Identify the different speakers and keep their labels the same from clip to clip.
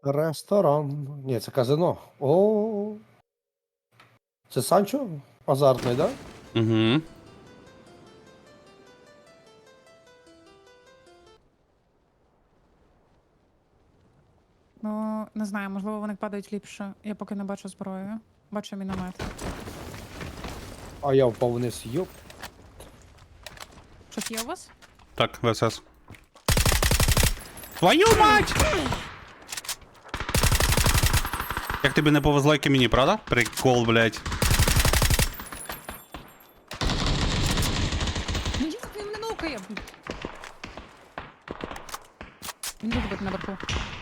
Speaker 1: Ресторан. Ні, це казино. О. Це Санчо? Азартний, да?
Speaker 2: Угу.
Speaker 3: Ну, не знаю, можливо, вони падають ліпше. Я поки не бачу зброю. Бачу міномет.
Speaker 1: А я впав вниз. Йоп.
Speaker 3: Щось є у вас?
Speaker 2: Так, ВСС. Твою мать! Як тобі не повезло, як і мені, правда? Прикол, блядь.
Speaker 3: Ну як він мене нукає? Він буде бути наверху.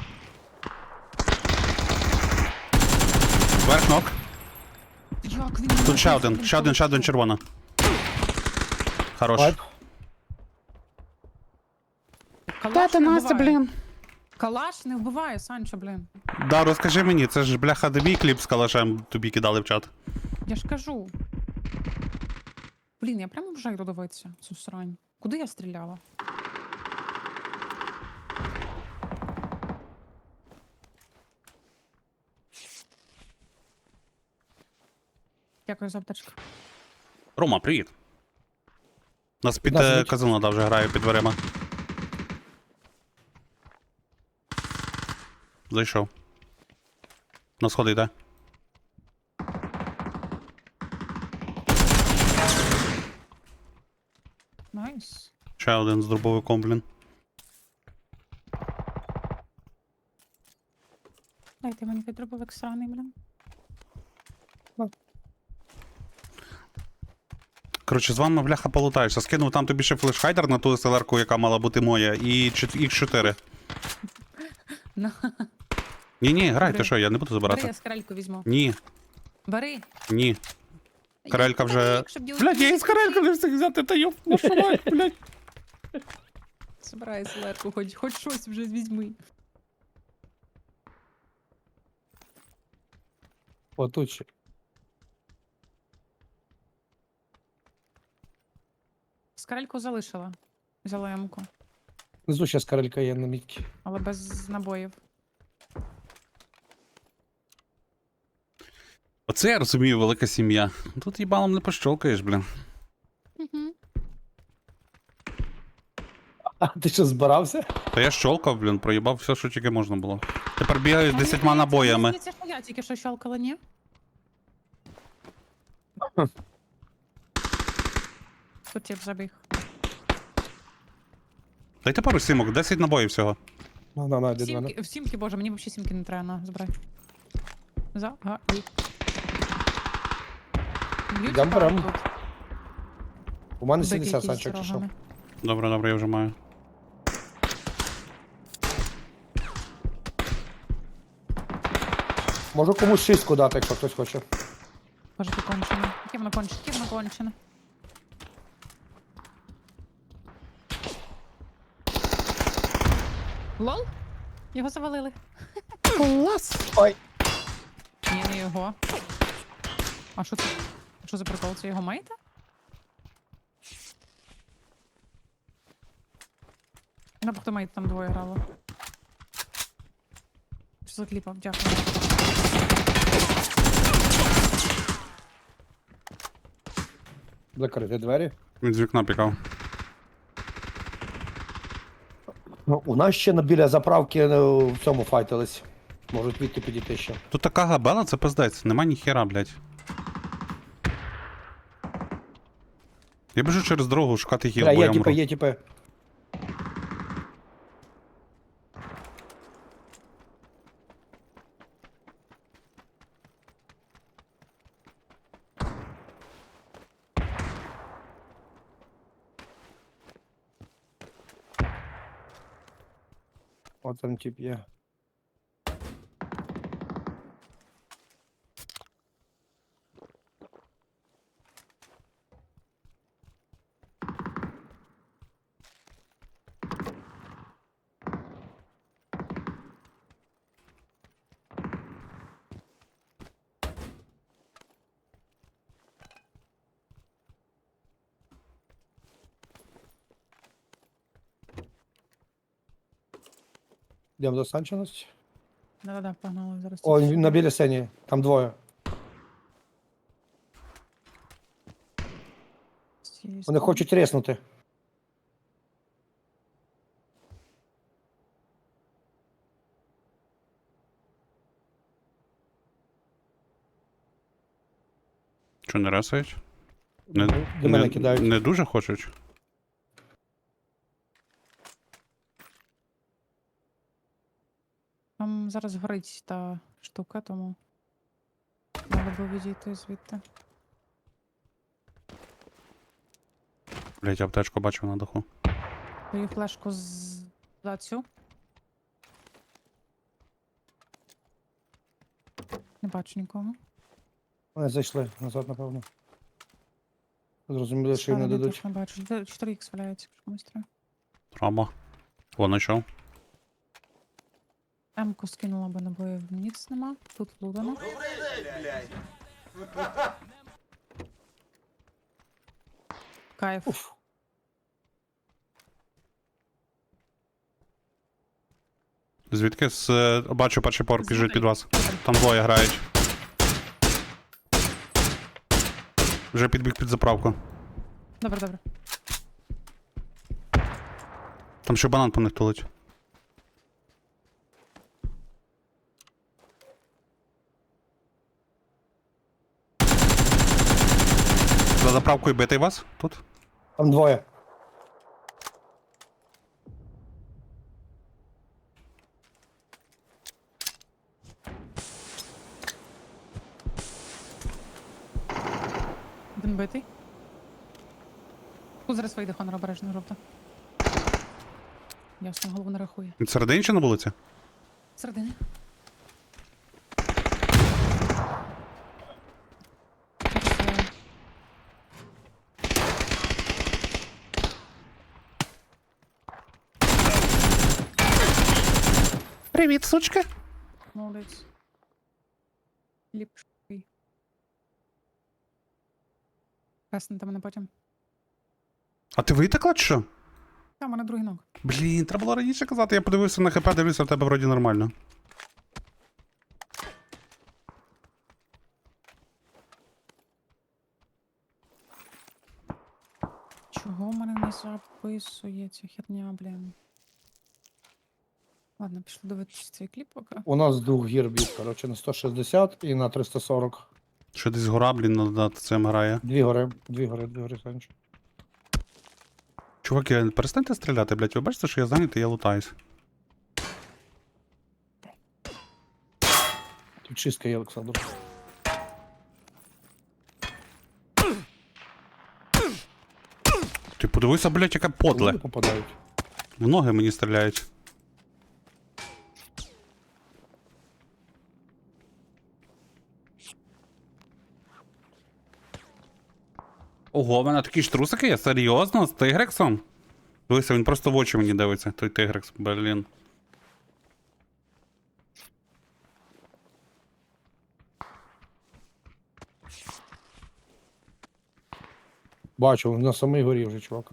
Speaker 2: Верх ног.
Speaker 3: Як він
Speaker 2: Тут ще один червона. Хорош.
Speaker 1: Вайп.
Speaker 3: Калаш не вбиває. Калаш не вбиває, Санчо, блін.
Speaker 2: Да, розкажи мені, це ж бляха дебій кліп з калашем тобі кидали в чат.
Speaker 3: Я ж кажу. Блін, я прямо вже йду дивитися цю срань. Куди я стріляла? Дякую за аптечку.
Speaker 2: Рома, привіт. Нас під
Speaker 1: Да,
Speaker 2: казино да, вже грає під дверима. Зайшов. На сходи йде.
Speaker 3: Найс.
Speaker 2: Ще один з дробовиком, блін.
Speaker 3: Дайте мені підробовик сраний, блін.
Speaker 2: Коротше, з вами, бляха, полутаєшся. Скинув там тобі ще флешхайдер на ту SLR-ку, яка мала бути моя, і X4.
Speaker 3: На.
Speaker 2: Ні, грай,
Speaker 3: Бери.
Speaker 2: ти що, я не буду
Speaker 3: Бери,
Speaker 2: забирати.
Speaker 3: я скарельку візьму.
Speaker 2: Ні,
Speaker 3: Бери.
Speaker 2: ні. Карелька
Speaker 3: Я
Speaker 2: вже...
Speaker 3: якщо б
Speaker 2: Блядь, я із карелька не встиг взяти, та йоп, вашу мать, блядь.
Speaker 3: Собирай селерку, хоч щось вже візьми.
Speaker 1: Отут ще.
Speaker 3: Скарельку залишила. Взяла ямку.
Speaker 1: Внизу ще скарелька є на мітці.
Speaker 3: Але без набоїв.
Speaker 2: Оце я розумію, велика сім'я. Тут їбалом не пощолкаєш, блін.
Speaker 3: Угу.
Speaker 1: А ти що, збирався?
Speaker 2: Та я щолкав, блін, проїбав все, що тільки можна було. Тепер бігаю з 10 набоями.
Speaker 3: Це ж я тільки що щелкала, ні? Тут тип забіг.
Speaker 2: Дайте пару сімок, 10 набоїв всього.
Speaker 1: На, йди до мене.
Speaker 3: В сімки, боже, мені взагалі сімки не треба, на, забирай. Б'ють
Speaker 1: Йдем
Speaker 3: пару
Speaker 1: берем.
Speaker 3: тут.
Speaker 1: У мене
Speaker 3: Бик
Speaker 1: 70
Speaker 3: якийсь
Speaker 1: Санчо,
Speaker 3: з
Speaker 1: якщо що.
Speaker 3: рогами.
Speaker 2: Добре, я вже маю.
Speaker 1: Можу комусь шістку дати, якщо хтось хоче.
Speaker 3: Боже, ти кончене. Яке воно кончене? Яке воно кончене? Лол? Його завалили.
Speaker 2: Клас!
Speaker 1: Ой.
Speaker 3: Ні, не його. А що це? Що за прикол? Це його мейта? Хто мейт там двоє грало. Що за кліпав? Дякую.
Speaker 1: Закрити двері.
Speaker 2: Він з вікна пікав.
Speaker 1: Ну, у нас ще біля заправки в цьому файтились. Можуть відти підійти ще.
Speaker 2: Тут така габела, це пиздець. Нема ніхера, блядь. Я біжу через дорогу шукати хіл,
Speaker 1: Бля,
Speaker 2: бо я
Speaker 1: є
Speaker 2: мру.
Speaker 1: тіпи. От там тип є. Йдемо до Санченості.
Speaker 3: Да-да-да, погнали зараз.
Speaker 1: О,
Speaker 3: тільки
Speaker 1: він
Speaker 3: що.
Speaker 1: на біля сині. Там двоє.
Speaker 3: З цієї
Speaker 1: Вони
Speaker 3: сторони.
Speaker 1: хочуть резнути.
Speaker 2: Що, не ресають? Не,
Speaker 1: До мене кидають.
Speaker 2: не дуже хочуть?
Speaker 3: Там зараз горить та штука, тому треба було відійти звідти.
Speaker 2: Блять, аптечку бачив на даху.
Speaker 3: Даю флешку за цю. Не бачу нікого.
Speaker 1: Вони зайшли назад, напевно. Зрозуміли, що їм не
Speaker 3: Справа
Speaker 1: дадуть.
Speaker 3: теж не бачу. 4х валяється, якщо комусь треба.
Speaker 2: Травма. О, знайшов.
Speaker 3: М-ку скинула, бо набоїв ніц нема. Тут лудано. Кайф.
Speaker 1: Уф.
Speaker 2: Звідки? Бачу, перший поверх біжить під вас.
Speaker 3: Знутри.
Speaker 2: Там двоє грають. Вже підбіг під заправку.
Speaker 3: Добре, добре.
Speaker 2: Там ще банан по них тулить. За заправкою битий вас тут?
Speaker 1: Там двоє.
Speaker 3: Один битий. Тут зараз вийде Хонор, обережно, жовта. Ясно, голову не рахує.
Speaker 2: Він всередині чи на вулиці?
Speaker 3: Середини.
Speaker 2: Привіт, сучка.
Speaker 3: Молодець. Ліпший. Краснете мене потім.
Speaker 2: А ти витекла чи що?
Speaker 3: Там у мене другий ног.
Speaker 2: Блін, треба було раніше казати. Я подивився на ХП, дивлюся, в тебе вроді нормально.
Speaker 3: Чого в мене не записує ця херня, блін? Ладно, пішли дивитися цей кліп поки.
Speaker 1: У нас з двох гір б'ють, коротше, на 160 і на 340.
Speaker 2: Що десь гора, блін, над цим грає.
Speaker 1: Дві гори, дві гори, дві гори, Санч.
Speaker 2: Чуваки, перестаньте стріляти, блядь. Ви бачите, що я зайнятий, я лутаюсь.
Speaker 1: Тут чистка є, Олександр.
Speaker 2: Ти подивися, блядь, яке подле.
Speaker 1: Люди попадають.
Speaker 2: В ноги мені стріляють. Ого, в мене такі ж трусики є? Серйозно? З Тигрексом? Дивися, він просто в очі мені дивиться, той Тигрекс, блін.
Speaker 1: Бачу, на самій горі вже, чувак.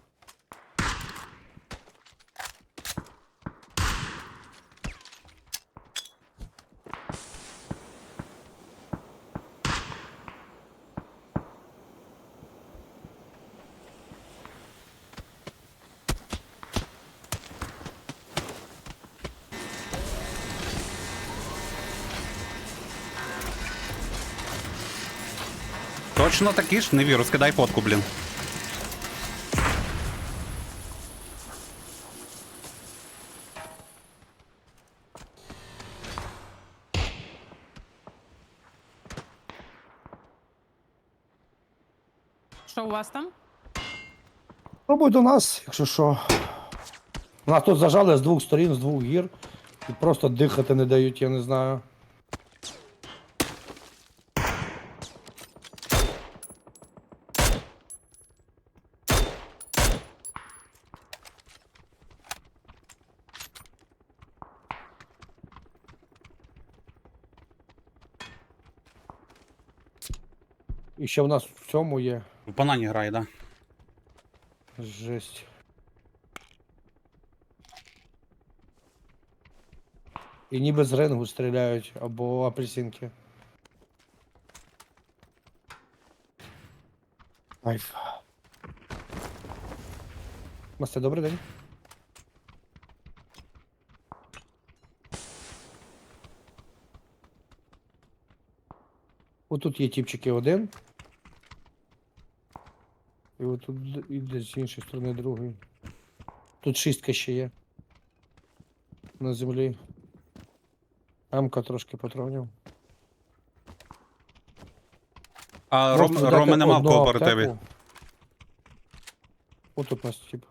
Speaker 2: Точно такі ж? Не вірю, скидай фотку, блін.
Speaker 3: Що у вас там?
Speaker 1: Пробуй до нас, якщо що. Нас тут зажали з двох сторін, з двох гір. І просто дихати не дають, я не знаю. І ще в нас в цьому є
Speaker 2: В банані грає, да?
Speaker 1: жесть. І ніби з рингу стріляють, або апельсинки. Кайф. Масте, добрий день. Отут є тіпчики один. І отут і десь з іншої сторони другий. Тут шістка ще є. На землі. Амка трошки патронів.
Speaker 2: А
Speaker 1: Можете дати
Speaker 2: Роми нема в
Speaker 1: одну
Speaker 2: кооперативі.
Speaker 1: аптеку. Отут у нас тип.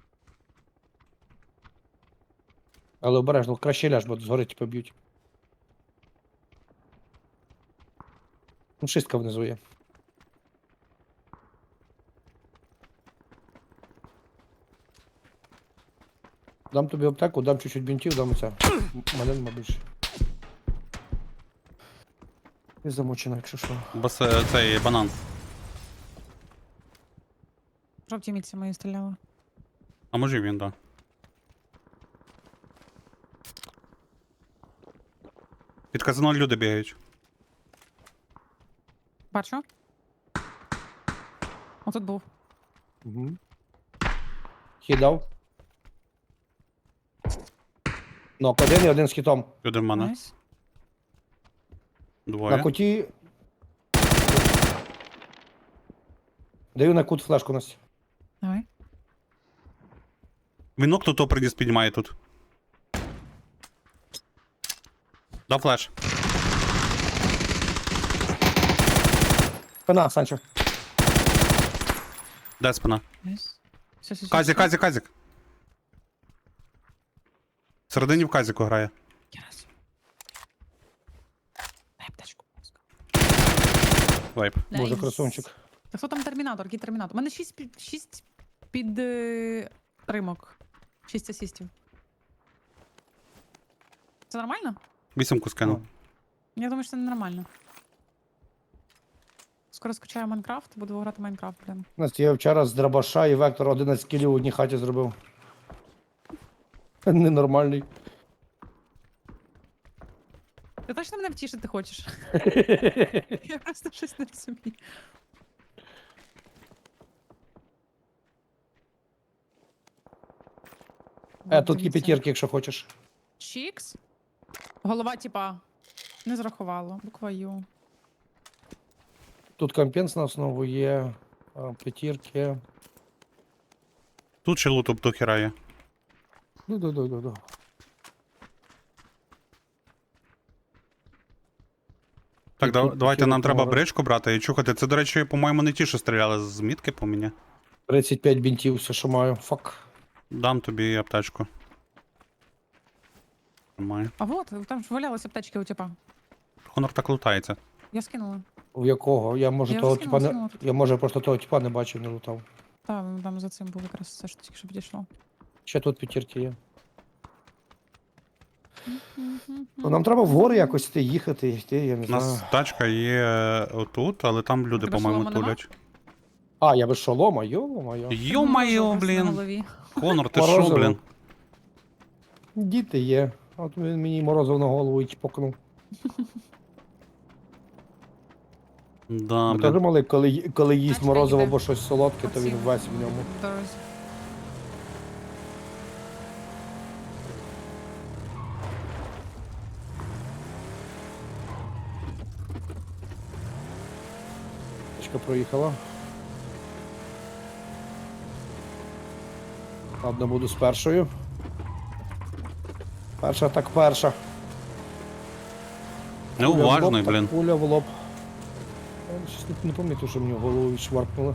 Speaker 1: Але обережно, краще ляж, бо згори типу б'ють. Ну, шістка внизу є. Дам тобі аптеку, дам чуть-чуть бінтів, дам оце. Мене нема більше. І замочена, якщо що.
Speaker 2: Бо цей банан.
Speaker 3: Жовті мітці мої стріляли.
Speaker 2: А може він, да. Під казино люди бігають.
Speaker 3: Бачу. Отут був.
Speaker 1: Угу. Хідав. Нок один і один з хітом.
Speaker 2: Люди в мене.
Speaker 3: Найс.
Speaker 2: Двоє.
Speaker 1: На куті. Даю на кут флешку Настя.
Speaker 3: Давай.
Speaker 2: Він окно то приніс піднімає тут. Дав флеш.
Speaker 1: Спина, Санчо.
Speaker 2: Де спина?
Speaker 3: Найс. Все.
Speaker 2: Казік. Всередині в казіку грає.
Speaker 3: Раз. Дай аптечку, будь ласка.
Speaker 2: Вайп.
Speaker 1: Боже,
Speaker 3: Найс.
Speaker 1: красунчик.
Speaker 3: Та хто там термінатор? Який термінатор? У мене 6 під римок. 6 асістів. Це нормально?
Speaker 2: 8 скинув.
Speaker 3: Я думаю, що це ненормально. Скоро скачаю Майнкрафт, буду грати в Майнкрафт, блін.
Speaker 1: Настя, я вчора з дробаша і вектор 11 кілів в одній хаті зробив. Ненормальний.
Speaker 3: Ти точно мене втішити хочеш? Я просто щось не розумію.
Speaker 1: Тут є п'ятірки, якщо хочеш.
Speaker 3: Чікс? Голова, типа, не зрахувала. Буква Ю.
Speaker 1: Тут компенс на основу є. П'ятірки.
Speaker 2: Тут ще луту до хіра є.
Speaker 1: Ну.
Speaker 2: Так,
Speaker 1: Тут
Speaker 2: давайте
Speaker 1: такі
Speaker 2: нам
Speaker 1: от
Speaker 2: треба
Speaker 1: номери.
Speaker 2: бричку брати і чухати. Це, до речі, по-моєму, не ті, що стріляли з мітки по мені.
Speaker 1: 35 бінтів, все, що маю. Фак.
Speaker 2: Дам тобі аптечку. Тримай.
Speaker 3: А вот, там ж валялися аптечки у типа.
Speaker 2: Хонор так лутається.
Speaker 3: Я скинула.
Speaker 1: В якого? Я може
Speaker 3: Я
Speaker 1: того
Speaker 3: вже
Speaker 1: типа не.
Speaker 3: скинула тут.
Speaker 1: Я може просто того типа не бачив, не лутав.
Speaker 3: Там за цим був якраз все, що тільки що підійшло.
Speaker 1: Ще тут п'ятірки є. Ну, нам треба вгори якось йти, їхати, йти, я не
Speaker 2: У
Speaker 1: знаю.
Speaker 2: нас тачка є отут, але там люди,
Speaker 3: тебе
Speaker 2: по-моєму,
Speaker 3: шолома нема?
Speaker 2: тулять.
Speaker 1: А, я без шолома, йо-моє.
Speaker 2: Йо-майо,
Speaker 3: Морозиво просто на
Speaker 2: блін.
Speaker 3: голові.
Speaker 2: Хонор, ти що,
Speaker 1: Морозиво.
Speaker 2: блін?
Speaker 1: Діти є. От він мені морозив на голову і чпокнув.
Speaker 2: Да,
Speaker 1: Ми теж
Speaker 2: блін.
Speaker 1: мали, коли їсть
Speaker 3: Тачка
Speaker 1: морозиво
Speaker 3: їде.
Speaker 1: або щось солодке, то він
Speaker 3: Оці.
Speaker 1: весь в ньому.
Speaker 3: В дорозі.
Speaker 1: Тачка проїхала. Ладно, буду з першою. Перша так перша.
Speaker 2: Неуважний,
Speaker 1: Пуля в лоб,
Speaker 2: блін.
Speaker 1: так Пуля в лоб. Я щось не пам'ятаю, що мені в голову відшваркнуло.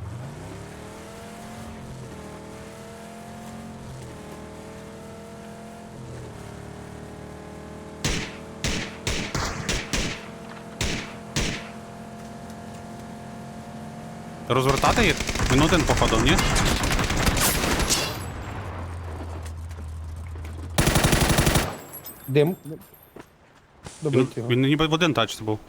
Speaker 2: Розвертати їх? Він один походу, ні?
Speaker 1: Дим. Добити його.
Speaker 2: Він ніби в один тачці був.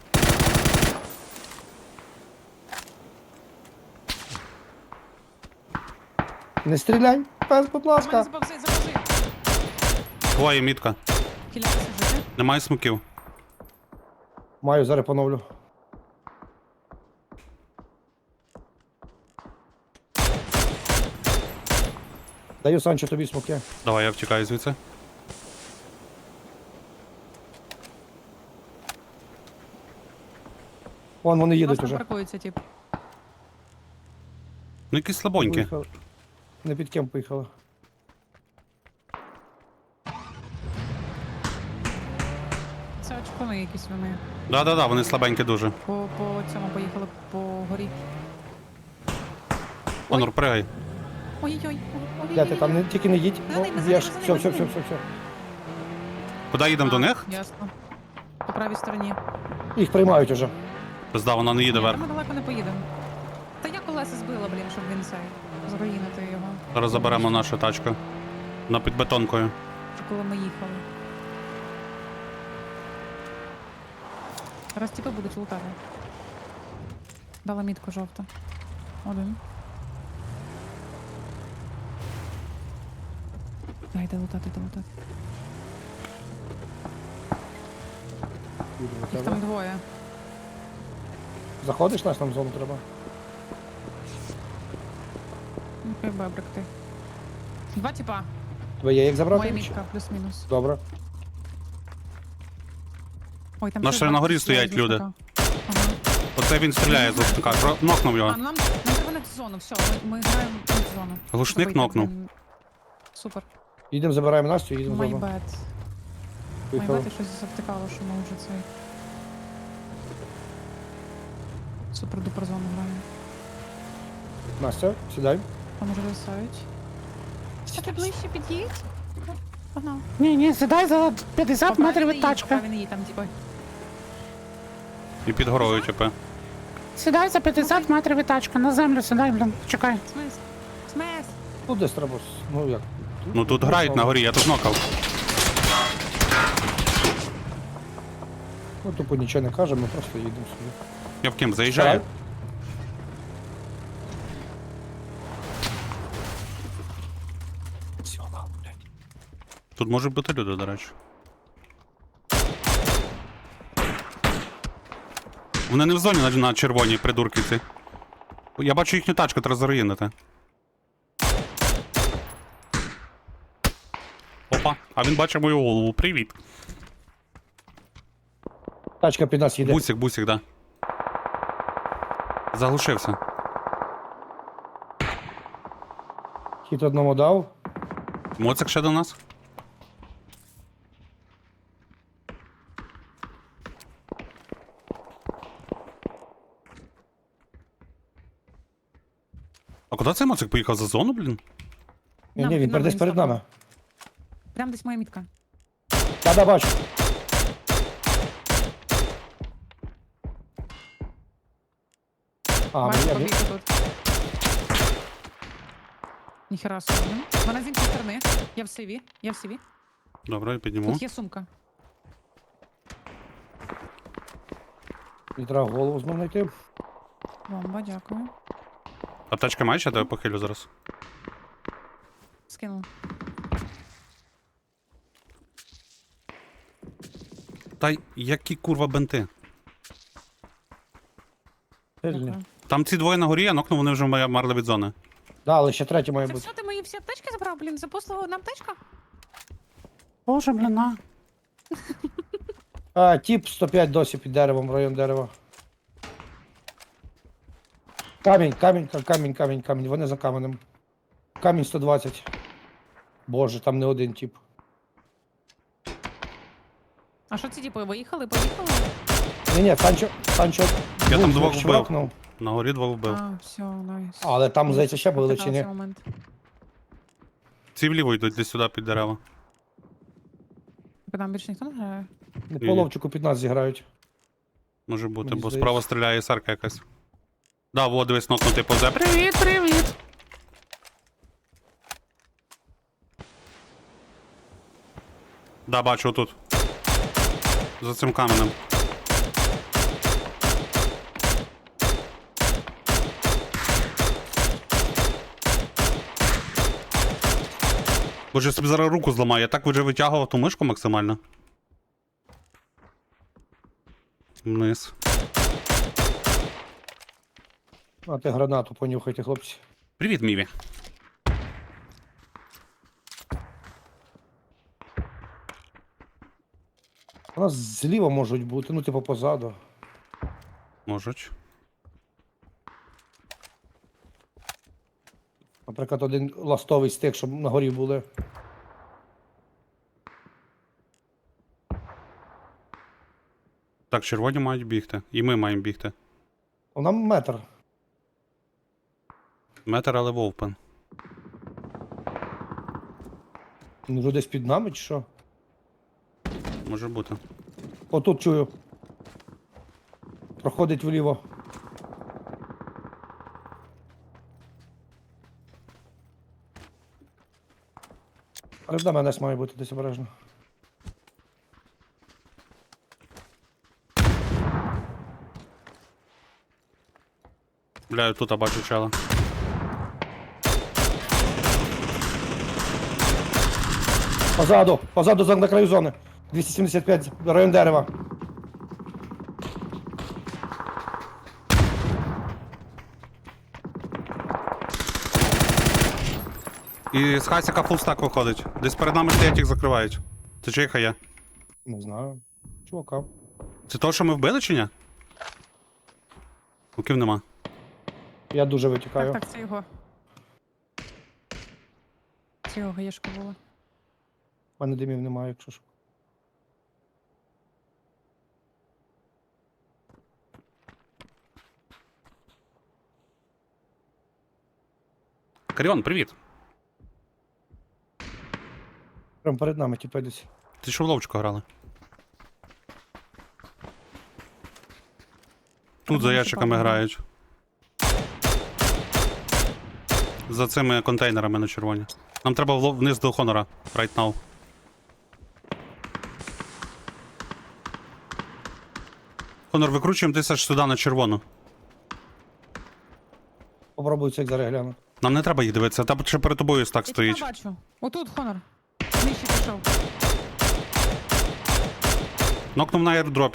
Speaker 1: Не стріляй, пес, будь
Speaker 3: У мене
Speaker 1: ласка.
Speaker 3: запавзи.
Speaker 2: Твоя мітка.
Speaker 3: Кілятися жити.
Speaker 2: Немає смоків.
Speaker 1: Маю, зараз поновлю. Даю, Санчо, тобі смоки.
Speaker 2: Давай, я втікаю звідси.
Speaker 1: Вон вони
Speaker 3: У нас
Speaker 1: їдуть
Speaker 3: там
Speaker 1: уже.
Speaker 3: паркується, тип.
Speaker 2: Ну якісь слабонькі.
Speaker 1: Виїхали. Не під кем поїхали.
Speaker 3: Це очкуни якісь вони.
Speaker 2: Да-да-да, вони слабенькі дуже.
Speaker 3: По цьому поїхали по горі.
Speaker 2: Онур, пригай.
Speaker 3: Ой-ой-ой.
Speaker 1: Де ти там, тільки не їдь.
Speaker 3: За ними, за
Speaker 1: Б'єш.
Speaker 3: ними,
Speaker 1: Все,
Speaker 3: за
Speaker 1: все,
Speaker 3: ними.
Speaker 1: все.
Speaker 2: Куди їдемо до них?
Speaker 3: Ясно. По правій стороні.
Speaker 1: Їх приймають уже.
Speaker 2: Пизда, вона не їде
Speaker 3: Ні,
Speaker 2: вверх.
Speaker 3: ми далеко не поїдемо. Та я колеса збила, блін, щоб він цей. Заруїнити його.
Speaker 2: Зараз заберемо нашу тачку. На підбетонкою.
Speaker 3: Коли ми їхали. Зараз тіпи будуть лутати. Дала мітку жовта. Один. Йде лутати, йде лутати.
Speaker 1: Їдемо до
Speaker 3: Їх
Speaker 1: тебе.
Speaker 3: там двоє.
Speaker 1: Заходиш, нас нам в зону треба.
Speaker 3: Ну, як бебрик ти. Два тіпа.
Speaker 1: Тебе є як забрати?
Speaker 3: Моя мітка, плюс-мінус.
Speaker 1: Добре.
Speaker 3: Ой, там
Speaker 2: Наші
Speaker 3: ще
Speaker 2: на
Speaker 3: два
Speaker 2: горі
Speaker 3: стріляють
Speaker 2: стоять
Speaker 3: з
Speaker 2: люди.
Speaker 3: лучника. Ага.
Speaker 2: Оце він стріляє з лучника. Нокнув
Speaker 3: А,
Speaker 2: його.
Speaker 3: ну нам треба на зону, все, ми граємо на зону.
Speaker 2: Глушник
Speaker 3: Забийте,
Speaker 2: нокнув.
Speaker 3: блін. Супер.
Speaker 1: Їдемо, забираємо Настю, їдемо в
Speaker 3: My
Speaker 1: зону.
Speaker 3: bad. My
Speaker 1: Поїхали.
Speaker 3: bad, я щось завтикало, що ми вже цей. Супер дупер зону граємо.
Speaker 1: Настя, сідай.
Speaker 3: Там уже висають. А ти ближче під'їдь? Погнав.
Speaker 4: Ні, сідай за 50 метрів від тачки.
Speaker 3: Поки він її там, типу.
Speaker 2: І під горою, типу.
Speaker 4: Сідай за 50 метрів від тачки. На землю сідай, блін, чекай.
Speaker 3: Смис. Смис.
Speaker 1: Ну, десь треба. Ну як?
Speaker 2: Ну тут грають на горі, я тут нокав.
Speaker 1: Ну, тупо нічого не кажемо, ми просто їдемо собі.
Speaker 2: Я в ким заїжджаю?
Speaker 1: Так. Сьома, блядь.
Speaker 2: Тут можуть бути люди, до речі. Вони не в зоні на червоній придурки ці. Я бачу їхню тачку, треба заруїнити. Опа, а він бачить мою голову. Привіт.
Speaker 1: Тачка під нас їде.
Speaker 2: Бусик, да. Заглушився.
Speaker 1: Хід одному дав.
Speaker 2: Моцик ще до нас? А куди цей моцик поїхав за зону, блін?
Speaker 1: Ні,
Speaker 3: Нам
Speaker 1: ні, він
Speaker 3: під нами
Speaker 1: десь перед
Speaker 3: став.
Speaker 1: нами.
Speaker 3: Прям десь моя мітка.
Speaker 1: Да, бачу. А,
Speaker 3: Бачу,
Speaker 1: я,
Speaker 3: побігли тут. Ніхера собі. Вона з іншої сторони. Я в сиві. Я в сиві.
Speaker 2: Добре, я підніму.
Speaker 3: Тут є сумка.
Speaker 1: мені треба голову знову знайти.
Speaker 3: Бомба, дякую.
Speaker 2: Аптечка маєш, я тебе похилю зараз.
Speaker 3: Скинув.
Speaker 2: Та й які курва бенти.
Speaker 1: Сильні.
Speaker 3: Дякую.
Speaker 2: Там ці двоє на горі, я нокнув, вони вже марли від зони.
Speaker 1: Да, але ще третій має
Speaker 3: Це
Speaker 1: бути.
Speaker 3: все, ти мої всі аптечки забрав, блін, за послугу одна аптечка?
Speaker 4: Боже, блін, на.
Speaker 1: А, тіп 105 досі під деревом, район дерева. Камінь. Вони за каменем. Камінь 120. Боже, там не один тіп.
Speaker 3: А що ці типи, виїхали, поїхали?
Speaker 1: Ні, Санчо.
Speaker 2: Я там
Speaker 1: був,
Speaker 2: двох
Speaker 1: чвакнув.
Speaker 2: На горі двох вбив.
Speaker 3: А, все, найс.
Speaker 1: Але там, здається, ще були чи ні?
Speaker 3: Цей момент.
Speaker 2: Ці вліво йдуть десь сюди під дерева.
Speaker 3: Там більше ніхто не грає?
Speaker 1: Не по ловчику під нас зіграють.
Speaker 2: Може бути,
Speaker 1: Мені
Speaker 2: бо
Speaker 1: здається.
Speaker 2: справа стріляє сарка якась. Да, во, дивись, нокнутий повзе.
Speaker 4: Привіт, привіт.
Speaker 2: Да, бачу тут. За цим каменем. Боже, я собі зараз руку зламаю, я так вже витягував ту мишку максимально. Вниз.
Speaker 1: А ти гранату понюхайте, хлопці.
Speaker 2: Привіт, Міві.
Speaker 1: У нас зліва можуть бути, ну типу позаду.
Speaker 2: Можуть.
Speaker 1: Наприклад, один ластовий стик, щоб на горі були.
Speaker 2: Так, червоні мають бігти. І ми маємо бігти.
Speaker 1: Нам метр.
Speaker 2: Метр, але вовпен.
Speaker 1: Він вже десь під нами чи що?
Speaker 2: Може бути.
Speaker 1: Отут чую. Проходить вліво. Перед нами десь має бути десь обережно.
Speaker 2: Бля, тут бачу чела.
Speaker 1: Позаду на краю зони. 275, район дерева.
Speaker 2: І з хасіка фулстак виходить. Десь перед нами стоять, їх закривають. Це чиїха є?
Speaker 1: Не знаю. Чувака.
Speaker 2: Це того, що ми вбили чи ні? Луків нема.
Speaker 1: Я дуже витікаю.
Speaker 3: Так, це його. Це його гаєшка була.
Speaker 1: У мене димів немає, якщо що.
Speaker 2: Каріон, привіт.
Speaker 1: Прям перед нами, типу, десь.
Speaker 2: Ти що в ловчку грали? Тут за
Speaker 3: Вони
Speaker 2: ящиками
Speaker 3: шипами
Speaker 2: грають. За цими контейнерами на червоні. Нам треба вниз до Хонора. Right now. Хонор, викручуємо десь аж сюди на червону.
Speaker 1: Попробую цих зараз глянути.
Speaker 2: Нам не треба їх дивитися, там ще перед тобою стак
Speaker 3: Я
Speaker 2: стоїть.
Speaker 3: тебе бачу. Отут, Хонор. Нижче пішов.
Speaker 2: Нокнув на аердропі.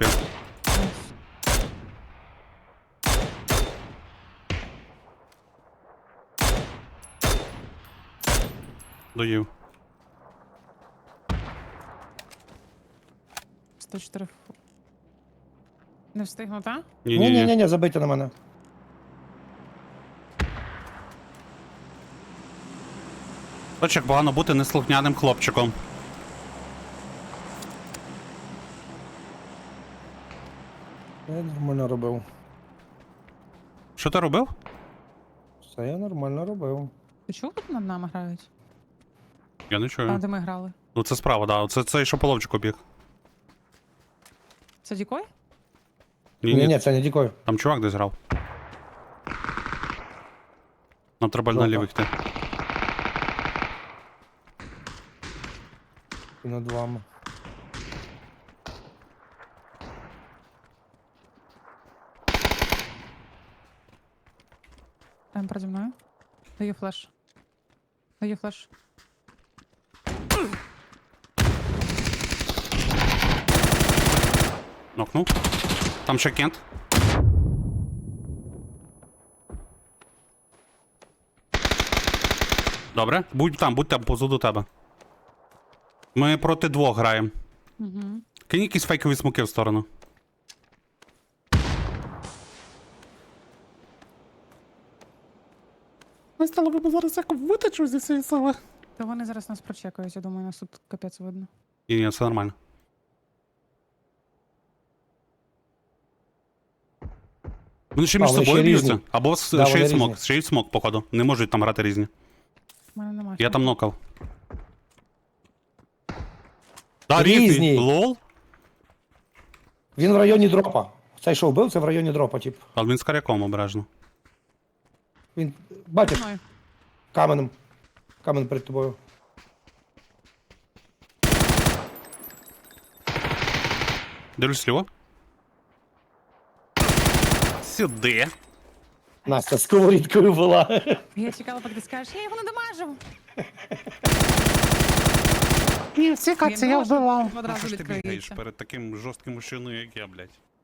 Speaker 2: Доїв.
Speaker 3: 104. Не встигну, так?
Speaker 2: Ні-ні-ні.
Speaker 1: Ні, забийте на мене.
Speaker 2: Хоч як погано бути неслухняним хлопчиком.
Speaker 1: Я нормально робив.
Speaker 2: Що ти робив?
Speaker 1: Все я нормально робив.
Speaker 3: Ти чув, як над нами грають?
Speaker 2: Я не
Speaker 3: А
Speaker 2: чую.
Speaker 3: де ми грали?
Speaker 2: Ну це справа, да. Це цей, що по ловчику біг.
Speaker 3: Це Дікой?
Speaker 1: Ні, це не дікой.
Speaker 2: Там чувак десь грав. Нам треба
Speaker 1: Жовта.
Speaker 2: наліво йти.
Speaker 1: І над вами.
Speaker 3: Прямо переді мною. Даю флеш. Даю флеш.
Speaker 2: Нокнув. Там ще кент. Добре. Будь там позаду тебе. Ми проти двох граємо.
Speaker 3: Угу.
Speaker 2: Кинь якісь фейкові смоки в сторону.
Speaker 4: Ми стало би зараз як витечу зі цієї сили.
Speaker 3: То вони зараз нас прочекають, я думаю, нас тут капець видно.
Speaker 2: Ні, все нормально. Вони ще між
Speaker 1: вони
Speaker 2: собою
Speaker 1: ще різні.
Speaker 2: б'ються. Або
Speaker 1: Да,
Speaker 2: шиють
Speaker 1: вони
Speaker 2: смок.
Speaker 1: різні.
Speaker 2: Шиють смок, походу. Не можуть там грати різні.
Speaker 3: У мене немає.
Speaker 2: Я там
Speaker 3: смаку.
Speaker 2: нокав. Да,
Speaker 1: Різні.
Speaker 2: різні. Лол.
Speaker 1: Він в районі дропа. Цей, що вбив, це в районі дропа, тип.
Speaker 2: Але він з каряком обережно.
Speaker 1: Він, бачиш,
Speaker 3: Мною.
Speaker 1: каменем. Камен перед тобою.
Speaker 2: Дивлюсь сліво. Сюди.
Speaker 1: Настя сковорідкою була.
Speaker 3: Я чекала, поки ти скажеш, я його не дамажив.
Speaker 4: Ні, всі каці я
Speaker 3: думав, що
Speaker 4: вбивав.
Speaker 3: Одразу
Speaker 2: Що ж ти бігаєш
Speaker 3: відкриється.
Speaker 2: перед таким жорстким мужчиною, як я, блядь?